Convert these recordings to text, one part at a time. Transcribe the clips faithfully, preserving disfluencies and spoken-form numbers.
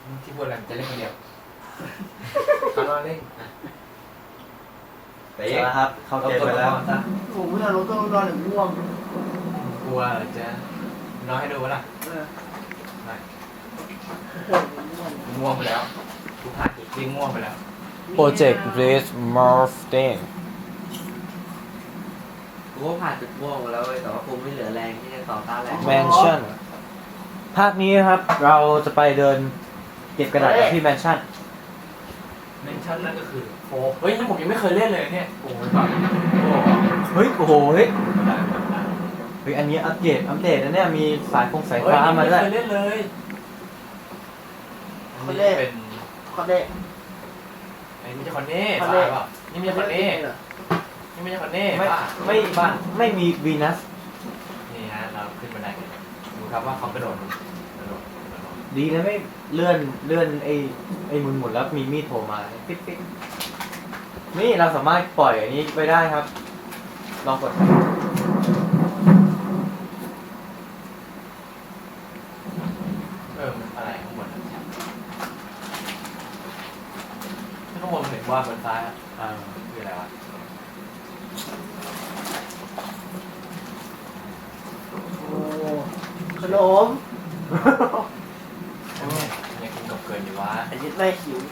ที่พูดอะไรจะเล่นคนเดียวเขานอนเล่นแต่ยังครับเข้าเกมไปแล้วผมไม่เอารถต้องนอนหรือง่วงกลัวจะนอนให้ดูวะล่ะเออไม่ปวดง่วงง่วงไปแล้วกูผ่านอีกทีง่วงไปแล้ว Project Blaze Morphine กูก็ผ่านจุดม่วงมาแล้วเว้ยแต่ว่ากูไม่เหลือแรงที่จะต่อต้านแรง Mansion ภาคนี้นะครับเราจะไปเดินเก็บกระดาษที่ Mansion เมนชั่นนั่นก็คือโอ้เฮ้ยนี่ผมยังไม่เคยเล่นเลยเนี่ยโอ้ยแบบโอ้เฮ้ยโอ้โหเฮ้ยเฮ้ยอันนี้อัปเดตอัปเดตนะเนี่ยมีสายฟงสายเฮ้ยฟ้านี่มาไม่ด้วยเคยเล่นเลยอันนี้เป็นคอนเด้ไอ้นี่ไม่ใช่คอนเน่คอนบ้าเด้เปล่านี่ไม่ใช่คอนเน่นี่ไม่ใช่คอนเน่ไม่บ้าไม่บ้าไม่มีวีนัสนี่ฮะเราขึ้นบันไดกันดูครับว่าเขากระโดดกระโดดกระโดดดีนะไม่เลื่อนเลื่อนไอ้ไอ้หมุนหมุนแล้วมีมีดโผล่มาปิ๊ดปิ๊ดนี่เราสามารถปล่อยอันนี้ไปได้ครับ ลองกดเออมันอะไรข้างบนนะข้างบนมันเห็นว่าบนซ้ายอ่ะอ่าคืออะไรวะโอ้ขนมอันนี้ยังกินกับเกินอยู่วะไอ้ยิดแม่หิว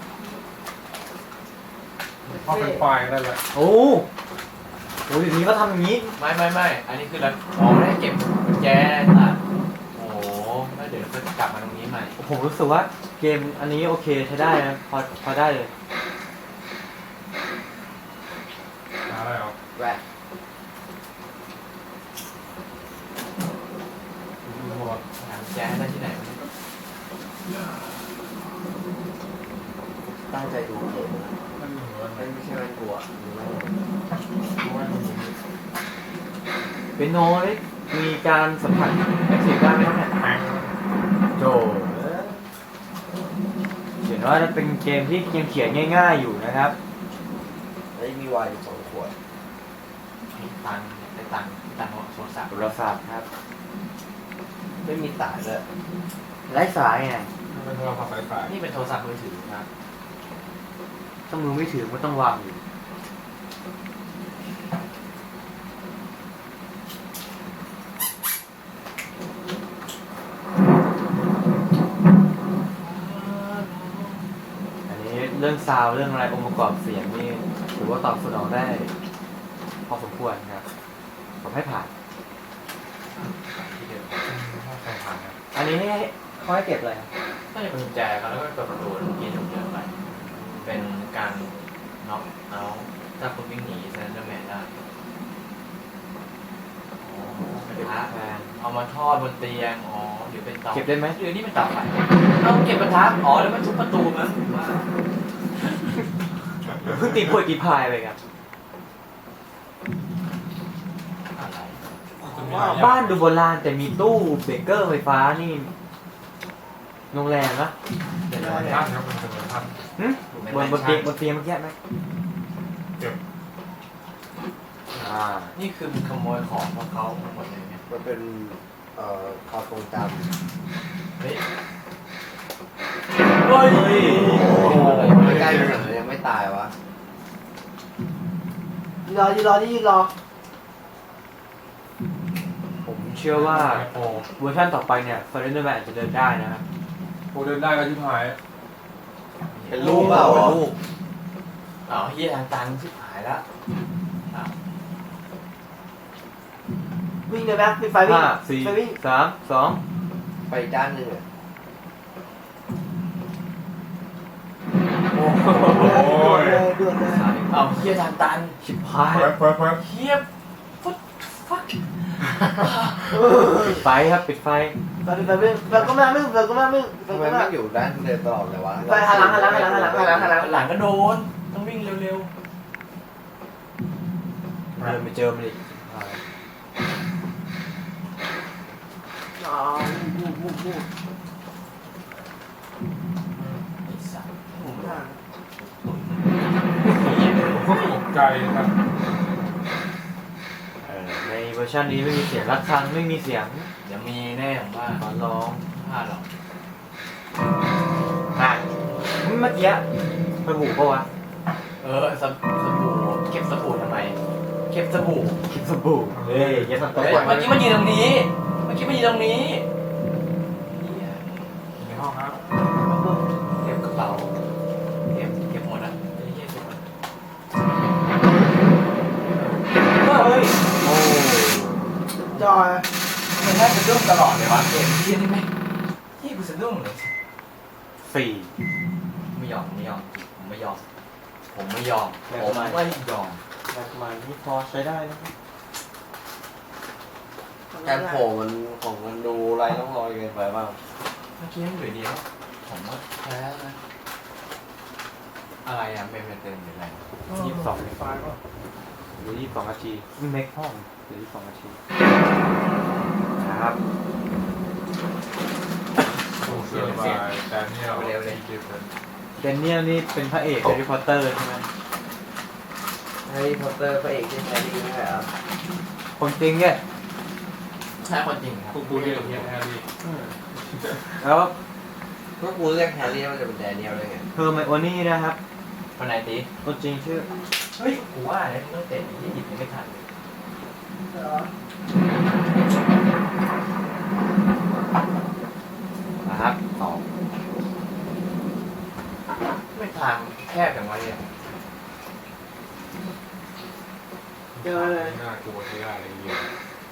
พอเป็นไฟล์ได้แล้วโอ้โหเดี๋ยวนี้ก็ทำอย่างนี้ไม่ไม่ไม่อันนี้คือเราอ๋อไม่ได้เก็บกุญแจอ่ะโอ้โหแล้วเดี๋ยวก็กลับมาตรงนี้ใหม่ผมรู้สึกว่าเกมอันนี้โอเคใช้ได้นะพอพอได้เลยหาอะไรเอาแหวะหากุญแจได้ที่ไหนวะเนี่ยตั้งใจดูเกมนั่นเหมือนไม่ไม่ใช่แม่งกลัวหรือว่าเป็นโนนี่มีการสัมผัสแอคทีฟได้ไหมครับเนี่ยโจเขียนว่าเป็นเกมที่เกมเขียนง่ายๆอยู่นะครับเฮ้ยมีวายอยู่สองขวดมีตังค์ได้ตังค์ตังค์ของโทรศัพท์โทรศัพท์ครับไม่มีสายเลยไร้สายไงเป็นโทรศัพท์สายนี่เป็นโทรศัพท์มือถือนะถ้ามือไม่ถือก็ต้องวางอยู่อันนี้เรื่องซาวด์เรื่องอะไรองค์ประกอบเสียงนี่ถือว่าตอบสนองได้ พอสมควรครับผมให้ผ่านที่เดิมถ้าใครผ่านนะอันนี้ให้เขาให้เก็บอะไรครับน่าจะเป็นกุญแจครับแล้วก็เปิดประตูเมื่อกี้ผมเดินไปเป็นการน็อกเอาถ้าคุณวิ่งหนีแซนเดอร์แมนได้อ๋อเป็นพระแฟนเอามาทอดบนเตียง อ๋อหรือเป็นเตาเก็บได้ไหมหรือนี่เป็นเตาไฟเอาเก็บกระทะอ๋อแล้วมันทุบประตูมั้งว่าเพิ่งตีพวยตีพายไปครับอะไรจะมีหลายอย่งบ้านดูโบราณแต่มีตู้เบเกอร์ไฟฟ้านี่โรงแรมนะเดี๋ยวนะท่านครับเป็นเสมือนท่านหึบนบนเตียงบนเตียงเมื่อกี้ไหมเก็บอ่านี่คือขโมยของของเขาทั้งหมดเลยเนี่ยมันเป็นเอ่อความทรงจเฮ้ยเฮ้ยโอ้โหำใกล้ๆมันยังไม่ตายวะยืนรอยืนรอที่ยืนรอผมเชื่อว่าโอ้เวอร์ชันต่อไปเนี่ยฟอร์เรนเดอร์แมนอาจจะเดินได้นะครับโหเดินได้ก็ที่พายเป็นลูกเปล่าเป็นลูกอ๋อเฮียทางตันชิบหายละอ้าววิ่งเลยแม็กปิดไฟวิ่งห้าสี่ไฟวิ่งสามสองไปอีกด้านหนึ่งอะโอ้โหโอ้ยเลยด่วนเลยเอาเฮียทางตันชิบหายเพิ่มเพิ่มเพิ่มเฮียฟุตฟักปิดไฟครับปิดไฟไฟปิดไฟวิ่งไฟก็ไม่วิ่งไฟก็ไม่วิ่งไฟทำไมก็ไม่ไม่อยู่ด้านเดินตลอดเลยวะไฟหันหลังหันหลังหันหลังหันหลังหันหลังหันหลังหลังก็โดน ต้องวิ่งเร็วเดินไปเจอมันอีกอ๋อบูบูบูๆไอ้สัสผมไม่ทันตกใจครับเออในเวอร์ชันนี้ไม่มีเสียงรักครังไม่มีเสียงเดี๋ยวมีแน่ผมว่าขอร้องพลาดหรอกอ่าเมื่อกี้สบู่ปะวะเออสบสบู่เก็บสบู่ทำไมเก็บสบู่คิดสบู่เฮ้ยอย่าทำตัวเฮ้ยก่อนเมื่อกี้มันยืนตรงนี้เมื่อกี้มันยืนตรงนี้เหี้ยในห้องครับเก็บกระเป๋าเก็บเก็บหมดอ่ะไอ้เหี้ยเก็บหมดเฮ้ยโอ้จอยมันน่าจะดุ้งตลอดเลยวะเกมเหี้ยนี่ไหมเหี้ยกูสะดุ้งเลยสี่ไม่ยอมไม่ยอมผมไม่ยอมผมไม่ยอมผมไม่ยอมแบบใหม่นี่พอใช้ได้นะการโผล่มันของมันดูไรต้องรอยเกินไปบ้างเมื่อกี้มันอยู่ดีแล้วผมว่าแพ้นะอะไรอ่ะเป็นเป็นเต็มหรืออะไรยี่สิบสองไฟล์ป่ะหรือยี่สิบสองนาทีเมคห้องหรือยี่สิบสองนาทีครับโอ้เสื้อบายแดเนียลเก็บเลยเดนเนียลนี่เป็นพระเอกแฮร์รี่พอตเตอร์ใช่ไหมแฮร์รี่พอตเตอร์พระเอกที่แฮร์รี่ไม่ใช่เหรอคนจริงเนี่ยใช่คนจริงครับพวกกูเรียกเฮียแฮร์รี่แล้วเมื่อกูเรียกแฮร์รี่มันจะเป็นแดเนียลได้ไงเฮอร์ไมโอนี่นะครับคนไหนตีคนจริงชื่อเฮ้ยกูว่าเนี่ยต้องเตะยี่หยิบยังไม่ทันเลยเหรอนะครับสองไม่ทางแคบอย่างไรเนี่ยเจอเลยน่ากลัวใช้ได้อะไรเงี้ย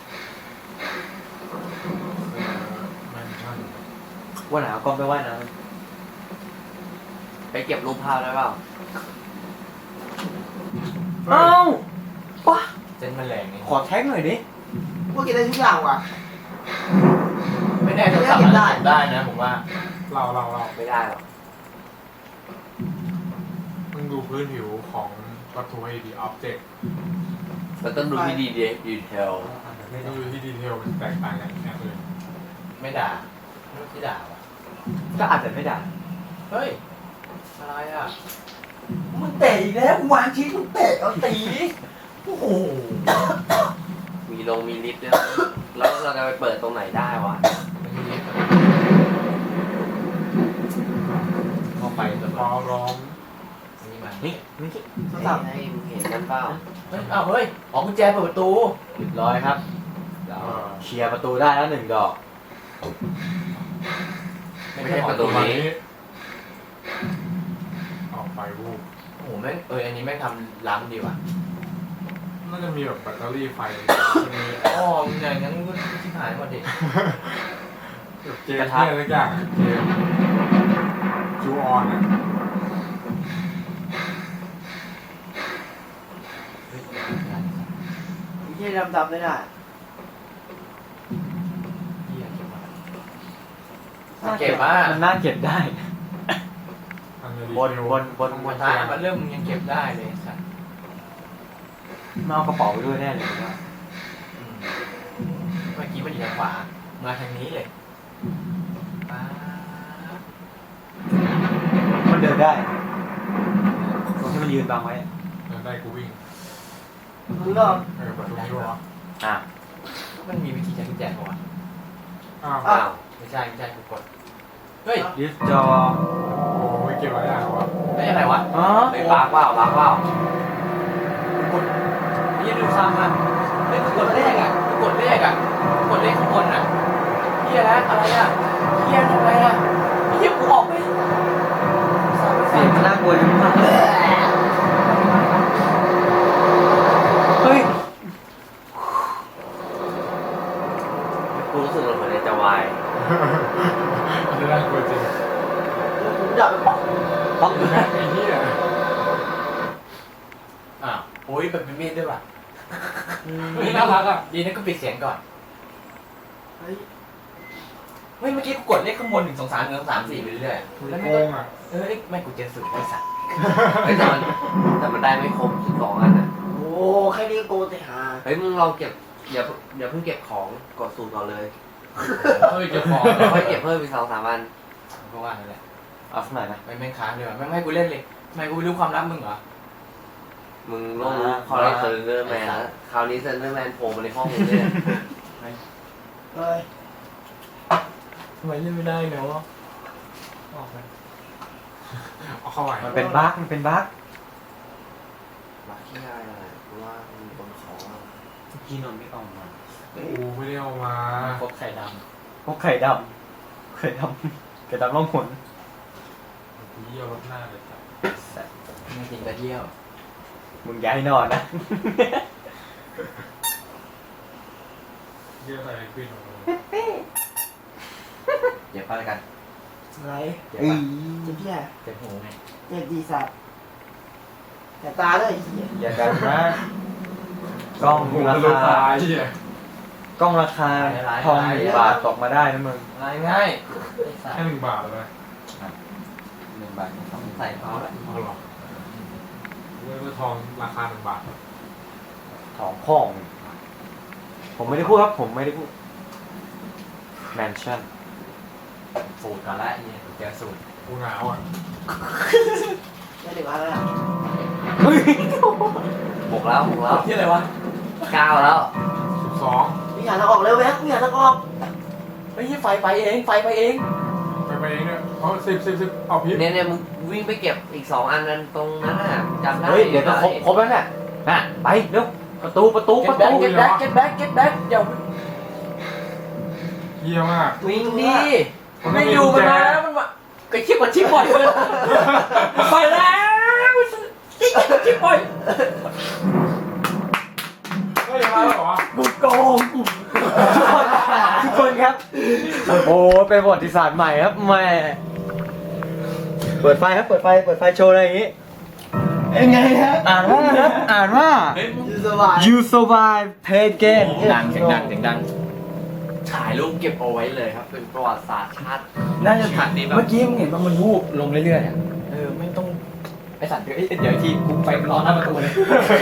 แมนชั่นวันหนาวก็ไปว่ายน้ไปเก็บรูปภาพได้เปล่าำเอ้าว้าเส้นมันแรงนี่ขอแท็กหน่อยดิพวกกินได้ทุกอย่างว่ะไม่แน่โทรศัพท์มันเก็บได้นะผมว่าเราเราเราไม่ได้หรอกมึงดูพื้นผิวของวัตถุไอ้ดีอ็อบเจกต์มันต้องดูที่ดีดีเทลดูที่ดีเทลมันแตกต่างกันแค่เลยไม่ด่าไม่ที่ด่าว่ะก็อาจจะไม่ได้เฮ้ยอะไรอ่ะมึงเตะอีกแล้ววางชิ้นมึงเตะเอาตีโอ้โหมีลงมีลิฟต์ด้วยแล้วเราจะไปเปิดตรงไหนได้วะไม่ใช่เล็กนะเข้าไปจนฟ้าร้องนี่มันนี่นี่โทรศัพท์ให้มึงเห็นกันเปล่าเฮ้ยอ้าวเฮ้ยอ๋อกุญแจเปิดประตูเรียบร้อยครับเราเคลียร์ประตูได้แล้วหนึ่งดอกไม่ใช่ประตูวันนี้นี้ออกไปวูบโอ้โหแม่งเอออันนี้แม่งทำล้ำดีว่ะน่าจะมีแบบแบตเตอรี่ไฟมีอ๋ออย่างนั้นก็ชิบหายหมดดิเกมที่อะไรสักอย่างอะเกมจูออนอ่ะเฮ้ยไอ้เหี้ยดำๆไม่ได้เหี้ยเก็บมาเก็บมามันน่าเก็บได้ทำเลยดีบนบนบนบนท้ายมันเริ่มยังเก็บได้เลยสัตว์มาเอากระเป๋าไปด้วยแน่เลยผมว่าอืมเมื่อกี้มันอยู่ทางขวา มาทางนี้เลยป๊าบมันเดินได้ตรงที่มันยืนบังไว้เดินได้กูวิ่งมึงก็เออประตูนี้วะอ่ะมันมีวิธีใช้กุญแจป่าวะอ้าวอ้าวไม่ใช่ไม่ใช่กูกด เฮ้ยดิสจอโอ้ไม่เก็บไว้ได้หรอวะไม่อะไรวะอ๋อไปปากเปล่าปากเปล่ากดยี่ดูซ้ำอ่ะเฮ้ยกูกดเลขอ่ะกูกดเลขอ่ะกูกดเลขข้างบนอ่ะเฮียนะอะไรอ่ะเฮียทำอะไรอ่ะเฮียกูออกไปสามเสียงมันน่ากลัวจังมากเฮ้ยกูรู้สึกเหมือนจะวายมันจะน่ากลัวจริงผมดับไปบอกป๊อกแม่งไอ้เหี้ยอ้าวโอ้ยแบบเป็นมีดด้วยว่ะเฮ้ยน่ารักอ่ะดีนะก็ปิดเสียงก่อนเฮ้ยเฮ้ยเมื่อกี้กูกดเลขข้างบนหนึ่งสองสามหนึ่งสองสามสี่ไปเรื่อยๆแล้วโกไม่ก็งอ่ะเออไม่กูเจอสูตรไอ้สัตว์เฮ้ยแต่มันแต่มันได้ไม่ครบสิบสองอันนะโอ้แค่นี้ก็โกงแต่หาเฮ้ยมึงลองเก็บอย่าอย่าเพิ่งเก็บของกดสูตรก่อนเลยเฮ้ยเก็บของแล้วค่อยเก็บเพิ่มอีกสองสามอันก็ว่านั่นแหละเอาสักหน่อยนะไม่แม่งค้างเลยว่ะไม่ไม่ให้กูเล่นเลยทำไมกูไม่รู้ความลับมึงเหรอมึงต้องรู้คอร์เรสเซอร์เดอร์แมนแล้วคราวนี้เซนเดอร์แมนโผล่มาในห้องมึงเนี่ยเฮ้ยทำไมเล่นไม่ได้เนาะออกไปเอาเข้าไปมันเป็นบั๊กมันเป็นบั๊กมาขี้อายอะไรเพราะว่ามีคนขอพี่นนท์ไม่ออกมากูไม่ได้เอามาครบไข่ดพวกไข่ดำไข่ดำไข่ดำล่องหนกูเยี่ยวรถหน้าเลยจ้ะำไม่กินกระเที่ยวมึงอย่าให้นอนนะเยี่ยวใส่ไอ้ควินของมึงเดี๋ยวพากันอะไรเดี๋ยวเอ้ปะยเจ็บพี่อะเจ็บหูไงเจ็บดีสัตว์แต่ตาด้วยไอ้เหี้ยอย่ากันนะกล้องกูราลูกคาตายเหี้ยกล้องราคาทองหนึ่งบาทตกมาได้นะมึงง่ายง่ายไอ้สัตแค่ว์หนึ่งบาทเลยหนึ่งบาทต้องใส่เขาแหละเอาหรอเมื่อทองราคาหนึ่งบาททองพ่อง ผมไม่ได้พูดครับ ผมไม่ได้พูดแมนชั่นสูตรก่อนละไอ้เนี่ยเจอสูตรกูหนาวอ่ะไม่ถึงอะไรอ่ะบกแล้วบกแล้วที่อะไรวะเก้าแล้วสิบสองมีหาทางออกเร็วแม็กมีหาทางออกไอ้ยี่ไฟไปเองไฟไปเองไปไปเองเนี่ยเอาสิบสิบสิบเอาพิษเนี่ยเนี่ยมึงวิ่งไปเก็บอีกสองอันนั้นตรงนั้นน่ะจำได้เฮ้ย เดี๋ยวจะครบครบแล้วเนี่ยน่ะไปเร็วประตูประตูปเก็ตระแบ็ตูกเก็ตแบ็กเก็ตแบ็กเก็ตแบ็กเดี๋ยวเยี่ยมากวิ่งดีไม่อยู่มันมาแล้วมันมาไอ้ชิบกว่าชิบบ่อยเลยไปแล้วชิบบ่อยเฮ้ยมาแล้วเหรอกูโกงทุกคนครับ โอ้เป็นประวัติศาสตร์ใหม่ครับแหม่เปิดไฟครับ เปิดไฟ เปิดไฟโชว์อะไรอย่างงี้เป็นไงฮะอ่านว่าครับ อ่านว่ายูสบาย you survive play game ดังเสียงดังเสียงดังถ่ายรูปเก็บเอาไว้เลยครับ เป็นประวัติศาสตร์ชาติน่าจะถัดดีแบบเมื่อกี้มึงเห็นว่ามันวูบลงเรื่อยๆอ่ะเออไม่ต้องไอสัตว์เดี๋ยวเดี๋ยวทีกูไปรอหน้าประตูเลย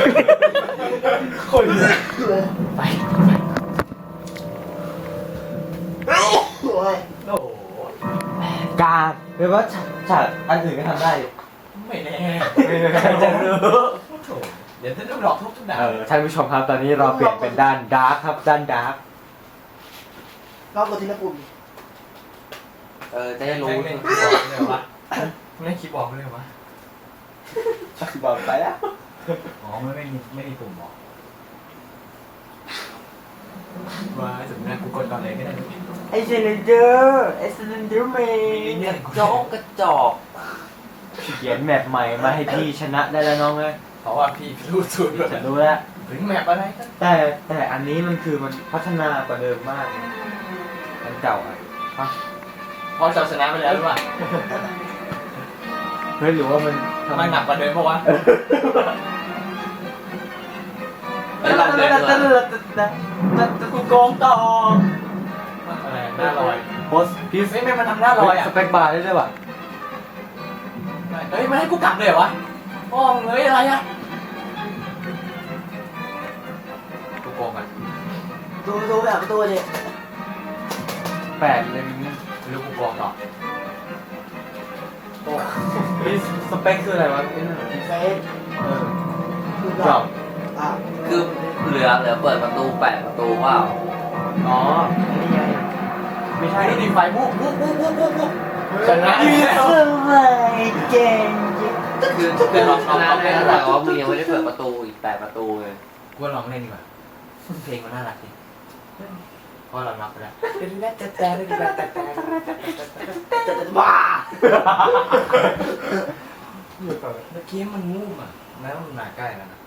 คนไปโอ้ยโอ้โหการหรือว่าฉากฉากอันอื่นก็ทำได้ไม่แน่ไม่แน่ใครจะรู้เดี๋ยวจะต้องหลอกทุกทุกด่าเออท่านผู้ชมครับตอนนี้เราเปลี่ยนเป็นด้านดาร์คครับด้านดาร์ครอบกดทีละปุ่มเออจะได้รู้เล่นคีย์บอร์ดเลยวะเล่นคีย์บอร์ดเลยวะบอกไปแล้วอ๋อไม่ไม่มีไม่มีปุ่มหรอว่าสุดนะกูกดก่อนเลยก็ได้ไอ้เซนเดอร์ไอ้เซนเดอร์แมนเนี่ยจอกกระจอกเขียนแมปใหม่มาให้พี่ชนะได้แล้วน้องเลยเพราะว่าพี่รู้สูตรจะรู้แล้วถึงแมปอะไรกันแต่แต่อันนี้มันคือมันพัฒนากว่าเดิมมากนะอันเก่าอ่ะฮะพอเราชนะไปแล้วหรือเปล่าเฮ้ยหรือว่ามันทำไมหนักกว่าเดิมปะวะเฮ้ยลองเดินดูอะกูโกงต่ออะไรหน้าลอยโพสพีซไม่ไม่มันทำหน้าลอยอ่ะสเปคบาร์ได้ด้วยป่ะเฮ้ยมันให้กูกลับเลยเหรอวะพ่อมึงเฮ้ยอะไรอ่ะกูโกงอ่ะดูดูแบบประตูดิแปดเลยมึงไม่รู้กูโกงต่อโอ้พีซสเปคคืออะไรวะไอ้นั่นเหรอเฟซเออคือจอบอ่ะคือเหลือเหลือเปิดประตูแปดประตูเปล่าอ๋อนี่ไงไม่ใช่ไอ้นี่ไฟบุ๊บบุ๊บบุ๊บบุ๊บบุ๊บบุ๊บชนะยูสบายเก่งจริงคือคือเราชนะได้แต่ว่ามึงยังไม่ได้เปิดประตูอีกแปดประตูไงกูลองเล่นดีกว่าเพลงมันน่ารักดีเพราะเรานับไปแล้วแต่แต่แต่แต่แต่แต่จะจะบ้าเยี่ยเปิดเมื่อกี้มันงูมอ่ะแม้ว่ามันมาใกล้แล้วนะ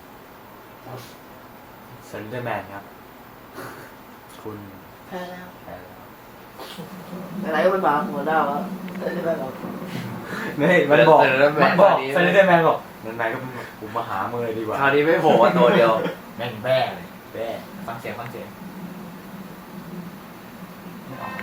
เซนเดอร์แมนครับ คุณแพ้แล้วแพ้แล้วอะไรก็มันบ้าหัวดาวแล้วไม่ได้แบบนี่มันบอกเซนเดอร์แมมัน นบอกคราวนี้เซนเดอร์แมนบอกนั่นนายก็ผมมาหามือเลยดีกว่าคราวนี้ไม่โผล่มาตัวเดียวแม่งแบ้เลยแบ้ฟังเสียงฟังเสียงไม่ออก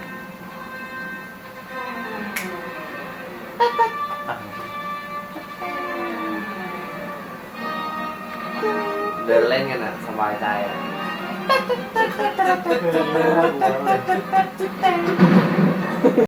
เดินเล่นกันอ่ะ สบายใจอ่ะเออ